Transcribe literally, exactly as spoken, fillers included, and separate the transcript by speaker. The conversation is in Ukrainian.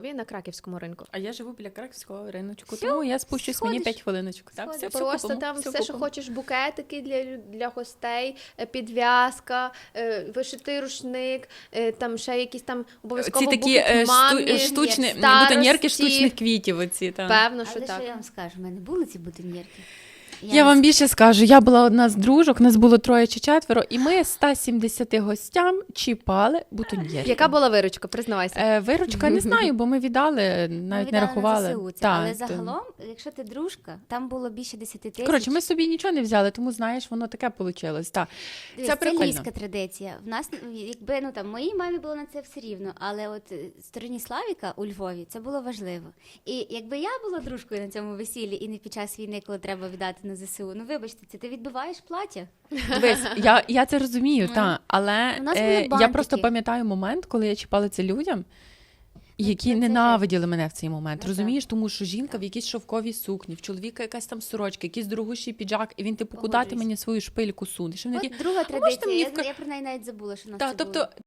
Speaker 1: на Краківському ринку.
Speaker 2: А я живу біля Краківського риночку,
Speaker 1: Всьо,
Speaker 2: тому я спущусь
Speaker 1: сходиш.
Speaker 2: мені п'ять хвилиночок. Так, все, все
Speaker 1: Просто
Speaker 2: купимо,
Speaker 1: там
Speaker 2: все,
Speaker 1: все, що
Speaker 2: купимо.
Speaker 1: хочеш, букетики для, лю- для гостей, е, підв'язка, е, вишитий рушник, е, там ще якісь там обов'язково
Speaker 2: Ці такі
Speaker 1: букет
Speaker 2: е,
Speaker 1: мамі,
Speaker 2: шту, штучні,
Speaker 1: старості.
Speaker 2: бутоньєрки штучних квітів оці, так.
Speaker 1: Певно, що
Speaker 3: Але
Speaker 1: так.
Speaker 3: що я вам скажу, в мене були ці бутоньєрки.
Speaker 2: Я вам більше скажу, я була одна з дружок, нас було троє чи четверо, і ми ста сімдесяти гостям чіпали бутоньєрки.
Speaker 1: Яка була виручка, признавайся.
Speaker 2: Е, виручка не знаю, бо ми віддали, навіть
Speaker 3: Ми
Speaker 2: не
Speaker 3: віддали
Speaker 2: рахували.
Speaker 3: на ЗСУ це.
Speaker 2: Та,
Speaker 3: Але
Speaker 2: то-
Speaker 3: загалом, якщо ти дружка, там було більше десяти тисяч.
Speaker 2: Коротше, ми собі нічого не взяли, тому, знаєш, воно таке вийшло. Так.
Speaker 3: Дивись,
Speaker 2: Це
Speaker 3: це
Speaker 2: прикольно.
Speaker 3: львівська традиція. В нас, якби, ну там, моїй мамі було на це все рівно, але от е, стороні Славіка у Львові це було важливо. І якби я була дружкою на цьому весіллі і не під час війни, коли треба віддати на ЗСУ, ну вибачте, це ти відбиваєш плаття.
Speaker 2: Дивись, я, я це розумію, та, але
Speaker 3: У нас
Speaker 2: е,
Speaker 3: були
Speaker 2: я
Speaker 3: бантики.
Speaker 2: просто пам'ятаю момент, коли я чіпала це людям, які
Speaker 3: це- це
Speaker 2: ненавиділи мене в цей момент.
Speaker 3: Ну,
Speaker 2: Розумієш, тому що жінка в якійсь шовковій сукні, в чоловіка якась там сорочка, якийсь дорогущий піджак, і він типу, куди ти
Speaker 3: Погоджуюсь.
Speaker 2: мені свою шпильку сунеш? І вони
Speaker 3: От
Speaker 2: такі,
Speaker 3: друга
Speaker 2: можете
Speaker 3: традиція,
Speaker 2: мені
Speaker 3: я,
Speaker 2: вка-
Speaker 3: я про неї навіть забула, що в нас
Speaker 2: Та,
Speaker 3: це
Speaker 2: тобто,
Speaker 3: було.